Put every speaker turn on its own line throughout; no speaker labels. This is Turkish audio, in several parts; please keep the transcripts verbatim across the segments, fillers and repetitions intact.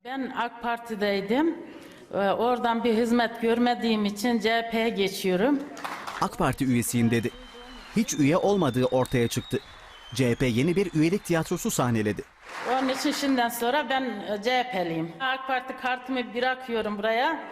Ben AK Parti'deydim. Ee, Oradan bir hizmet görmediğim için C H P'ye geçiyorum.
AK Parti üyesiyim dedi. Hiç üye olmadığı ortaya çıktı. C H P yeni bir üyelik tiyatrosu sahneledi.
Onun için şimdiden sonra ben e, C H P'liyim. AK Parti kartımı bırakıyorum buraya.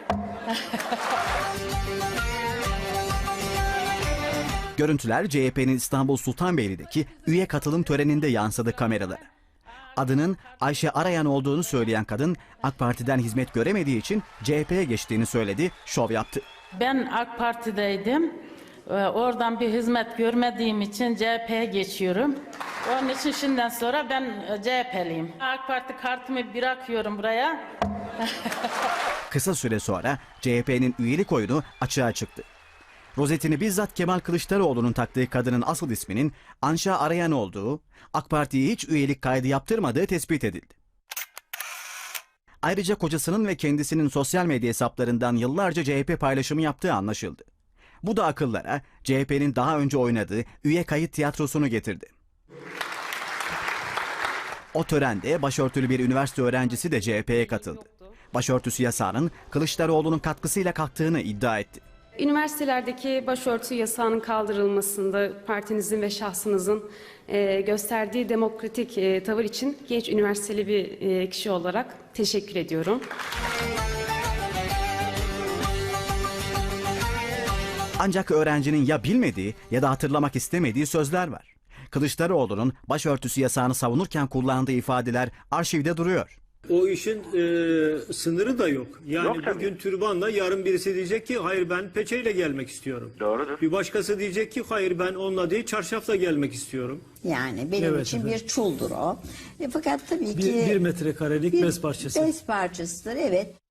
Görüntüler C H P'nin İstanbul Sultanbeyli'deki üye katılım töreninde yansıdı kameralara. Adının Ayşe Arayan olduğunu söyleyen kadın AK Parti'den hizmet göremediği için C H P'ye geçtiğini söyledi, şov yaptı.
Ben AK Parti'deydim. Ee, Oradan bir hizmet görmediğim için C H P'ye geçiyorum. Onun için şimdiden sonra ben e, C H P'liyim. AK Parti kartımı bırakıyorum buraya.
Kısa süre sonra C H P'nin üyelik oyunu açığa çıktı. Rozetini bizzat Kemal Kılıçdaroğlu'nun taktığı kadının asıl isminin Anşa Arayan olduğu, AK Parti'ye hiç üyelik kaydı yaptırmadığı tespit edildi. Ayrıca kocasının ve kendisinin sosyal medya hesaplarından yıllarca C H P paylaşımı yaptığı anlaşıldı. Bu da akıllara C H P'nin daha önce oynadığı üye kayıt tiyatrosunu getirdi. O törende başörtülü bir üniversite öğrencisi de C H P'ye katıldı. Başörtüsü yasağının Kılıçdaroğlu'nun katkısıyla kalktığını iddia etti.
Üniversitelerdeki başörtü yasağının kaldırılmasında partinizin ve şahsınızın e, gösterdiği demokratik e, tavır için genç üniversiteli bir e, kişi olarak teşekkür ediyorum.
Ancak öğrencinin ya bilmediği ya da hatırlamak istemediği sözler var. Kılıçdaroğlu'nun başörtüsü yasağını savunurken kullandığı ifadeler arşivde duruyor.
O işin e, sınırı da yok. Yani
Yok tabii.
bugün türbanla, yarın birisi diyecek ki hayır ben peçeyle gelmek istiyorum.
Doğrudur.
Bir başkası diyecek ki hayır ben onunla değil çarşafla gelmek istiyorum.
Yani benim
Evet,
için
efendim.
bir çuldur o. E, fakat tabii
Bir,
ki
bir metrekarelik bez parçası.
Bez parçasıdır, evet.